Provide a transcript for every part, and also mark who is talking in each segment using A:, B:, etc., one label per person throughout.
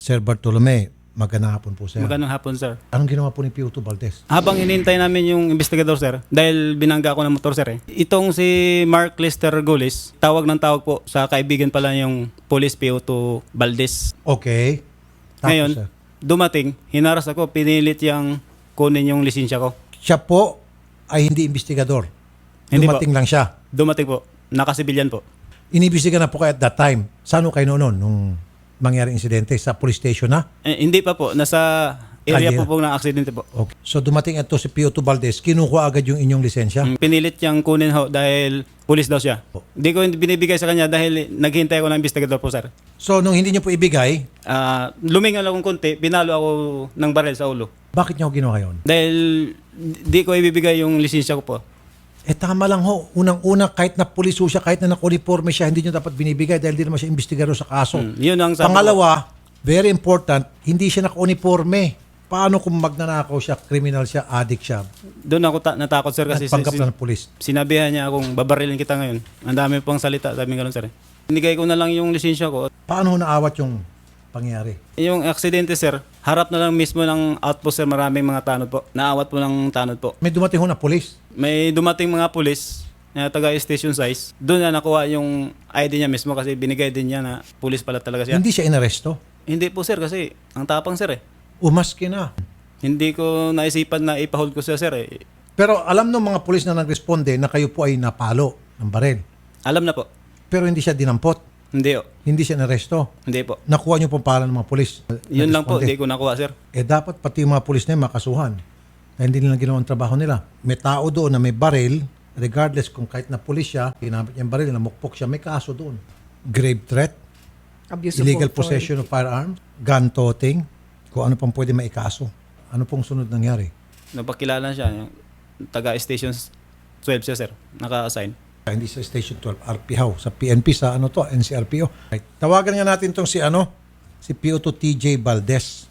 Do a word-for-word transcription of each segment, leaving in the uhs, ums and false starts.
A: Sir Bartolome, magandang hapon po, sir.
B: Magandang hapon, sir.
A: Anong ginawa po ni P O two Valdez?
B: Habang inintay namin yung investigador, sir, dahil binangga ko ng motor, sir, eh. Itong si Mark Lester Gulis, tawag ng tawag po sa kaibigan pala yung police P O two Valdez.
A: Okay. Tapos,
B: Ngayon,
A: sir,
B: dumating, hinaras ako, pinilit yung kunin yung lisensya ko.
A: siya po ay hindi investigador.
B: Hindi
A: Dumating lang siya.
B: Dumating po, nakasibilyan po.
A: Inibestiga na po kayo at that time. Saan ho kayo noon nung mangyari insidente? Sa police station na?
B: Eh, hindi pa po, nasa area
A: Kalye.
B: po po ng aksidente po.
A: Okay. So dumating ito si P O two Valdez, kinukuha agad yung inyong lisensya?
B: Mm, Pinilit niyang kunin ho dahil police daw siya. Hindi ko binibigay sa kanya dahil naghihintay ako ng investigador po, sir.
A: So nung hindi niyo po ibigay,
B: Ah, lumingal akong konti, pinalo ako ng baril sa ulo.
A: bakit niyo ho ginawa yun?
B: Dahil di ko ibibigay yung lisensya ko po.
A: Eh tama lang ho. Unang-una, kahit na pulis ho siya, kahit na naka-uniforme siya, hindi niyo dapat binibigay dahil di naman siya investigador sa kaso.
B: Mm, yun ang sabi ko.
A: Pangalawa, very important, hindi siya naka-uniforme. Paano kung magnanakaw siya, criminal siya, addict siya,
B: Doon ako ta- natakot, sir, kasi
A: nagpanggap
B: si-
A: na ng pulis?
B: sinabihan niya akong babarilin kita ngayon. Ang dami pang salita, sabi nga lang, sir. Binigay ko na lang yung lisensya ko.
A: Paano ho naawat yung pangyari?
B: Yung aksidente, sir, harap na lang mismo ng outpost, sir, maraming mga tanod po. Naawat po ng tanod po.
A: May dumating ho na pulis.
B: May dumating mga pulis na taga station size. Doon na nakuha yung I D niya mismo kasi binigay din niya na pulis pala talaga siya.
A: Hindi siya inaresto.
B: Hindi po, sir, kasi ang tapang, sir, eh.
A: Umaski na.
B: Hindi ko naisipan na ipahold ko siya, sir, eh.
A: Pero alam ng mga pulis na nagresponde na kayo po ay napalo ng baril.
B: Alam na po.
A: Pero hindi siya dinampot.
B: Hindi, oh.
A: Hindi siya inaresto.
B: Hindi po.
A: Nakuha niyo pong pangalan ng mga pulis.
B: Yun lang po,
A: Nagresponde.
B: hindi ko nakuha, sir.
A: Eh dapat pati yung mga pulis na yun makasuhan. Na hindi nila ginawa ang trabaho nila. May tao doon na may baril, regardless kung kahit na pulis siya, ginamit niya yung baril, namukpok siya, may kaso doon. Grave threat,
C: Abuse
A: illegal
C: of authority.
A: possession of firearms, gun toting, kung ano pang pwede maikaso. Ano pong sunod nangyari?
B: Napakilala siya, yung taga station twelve siya, sir. Naka-assign.
A: Hindi sa Station twelve, R P H O. Sa P N P, sa ano to, N C R P O. Right. Tawagan nga natin tong si ano, si P O two T J Valdez.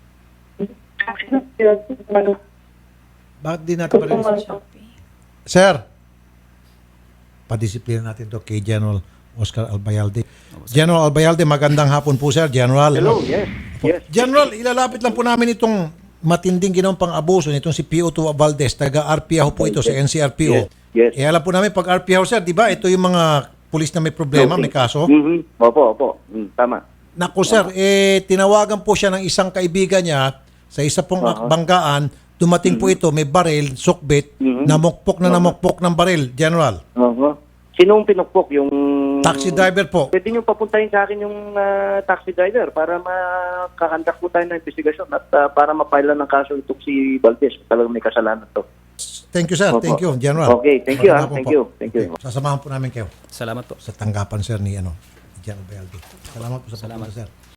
A: Bakit di natin pa rin? Sir, padisiplina natin to kay General Oscar Albayalde. General Albayalde, magandang hapon po, sir. General.
D: Hello, yes. Yes.
A: General, ilalapit lang po namin itong matinding ginawang pang-abuso nitong si P O two Valdez, taga R P H O po ito, sa N C R P O.
D: Yes. Yes.
A: Eh, alam po namin, pag R P H O, sir, di ba, ito yung mga pulis na may problema, may kaso.
D: Mhm. Opo, opo. Mm, tama.
A: Naku, sir, eh, tinawagan po siya ng isang kaibigan niya sa isa pong
D: Uh-huh.
A: banggaan, dumating po ito, may baril, sukbit,
D: Mhm.
A: namukpok na namukpok ng baril, General.
D: Oo. Sinong pinukpok? Yung...
A: Taxi driver po.
D: Pwede nyo papuntahin sa akin yung ah, taxi driver para makakandak po tayo ng investigasyon at ah, para mapailan ng kaso itong si Valdez. Talagang may kasalanan to.
A: Thank you, sir.
D: Opo.
A: Thank you, General.
D: Okay, thank you, ah.
A: Magandang
D: Thank
A: hapon
D: you.
A: po.
D: Thank you.
A: Okay. Sasamahan po namin kayo
B: Salamat po.
A: sa tanggapan, sir, ni ano, ni General Bayalde. Salamat po sa
B: Salamat.
A: pagpunta, sir.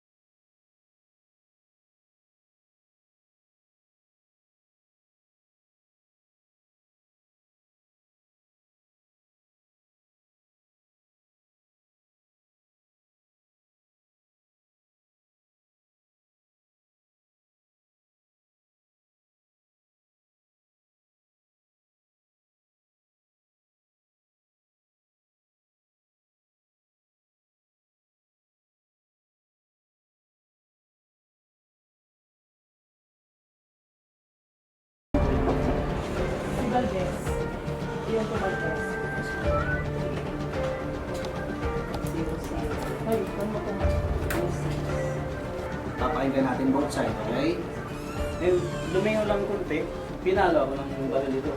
B: Papakinggan natin both side, okay? Then, lumingaw lang konti, pinalo ako ng baril dito.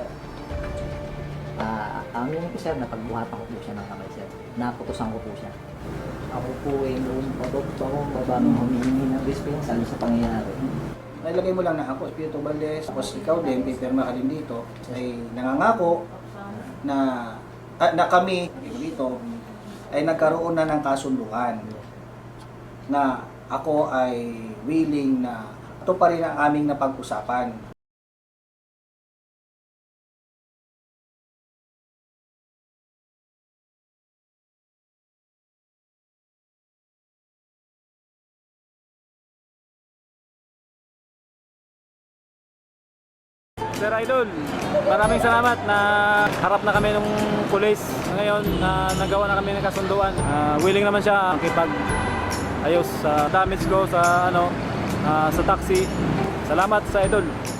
E: Ah, ang yun po sir, napagbuhatan ko po siya ng kamay sir. Naputusan ko po siya. Ako po ay noong pababa baba nung humihingi ng dispensa sa pangyayari.
F: Nailagay mo lang na ako, Espiritu Valdez, tapos ikaw din, pipirma ka din dito, ay nangangako na, ah, na kami dito ay nagkaroon na ng kasunduan na ako ay willing na ito pa rin ang aming napag-usapan.
B: Sir Idol, maraming salamat na harap na kami ng pulis. Ngayon, na nagawa na kami ng kasunduan. Ah, willing naman siya makipag
C: ayos sa damage ko sa ano ah, sa taxi. Salamat sa idol.